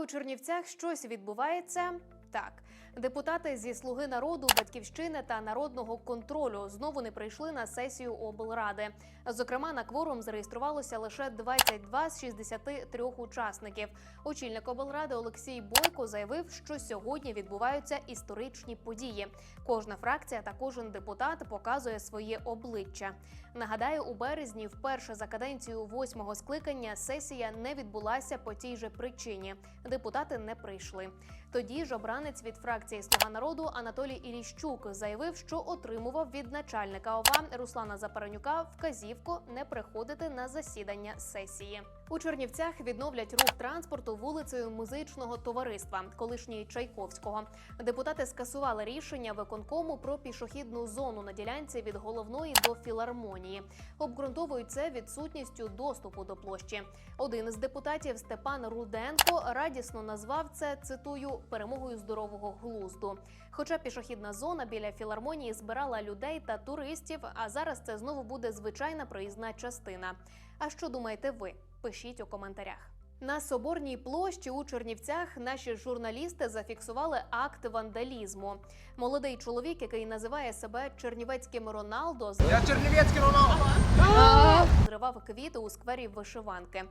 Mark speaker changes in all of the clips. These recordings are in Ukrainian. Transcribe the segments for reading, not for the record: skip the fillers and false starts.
Speaker 1: у Чернівцях щось відбувається? Так. Депутати зі «Слуги народу», «Батьківщини» та «Народного контролю» знову не прийшли на сесію облради. Зокрема, на кворум зареєструвалося лише 22 з 63 учасників. Очільник облради Олексій Бойко заявив, що сьогодні відбуваються історичні події. Кожна фракція та кожен депутат показує своє обличчя. Нагадаю, у березні вперше за каденцію 8-го скликання сесія не відбулася по тій же причині. Депутати не прийшли. Тоді ж обранець від фракції «Слуга народу» Анатолій Іліщук заявив, що отримував від начальника ОВА Руслана Запоронюка вказівку не приходити на засідання сесії. У Чернівцях відновлять рух транспорту вулицею Музичного товариства, колишньої Чайковського. Депутати скасували рішення виконкому про пішохідну зону на ділянці від Головної до Філармонії. Обґрунтовують це відсутністю доступу до площі. Один із депутатів, Степан Руденко, радісно назвав це, цитую, «перемогою здорового глузду». Хоча пішохідна зона біля Філармонії збирала людей та туристів, а зараз це знову буде звичайна проїзна частина. А що думаєте ви? Пишіть у коментарях. На Соборній площі у Чернівцях наші журналісти зафіксували акт вандалізму. Молодий чоловік, який називає себе чернівецьким Роналдо,
Speaker 2: Я чернівецький Роналдо!
Speaker 1: зривав квіти у сквері Вишиванки.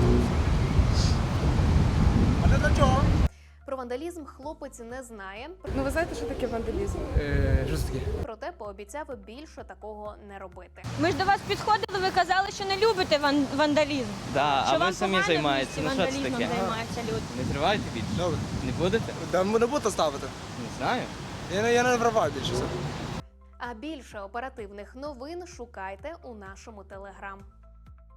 Speaker 2: А це для чого?
Speaker 1: Про вандалізм хлопець не знає,
Speaker 3: Ну, ви знаєте, що таке вандалізм?
Speaker 2: Що це таке?
Speaker 1: проте пообіцяв більше такого не робити.
Speaker 4: Ми ж до вас підходили, ви казали, що не любите вандалізм.
Speaker 5: Да,
Speaker 4: Що
Speaker 5: а ви
Speaker 4: вам
Speaker 5: самі
Speaker 4: погано в
Speaker 5: займаєтеся.
Speaker 4: місті
Speaker 5: Ну що це
Speaker 4: вандалізмом
Speaker 5: таке?
Speaker 4: займаються люди.
Speaker 5: Не зриваєте більше?
Speaker 2: Добре.
Speaker 5: Не будете?
Speaker 2: Да ми не будете ставити.
Speaker 5: Не знаю.
Speaker 2: Я не вриваю більше.
Speaker 1: А більше оперативних новин шукайте у нашому телеграм.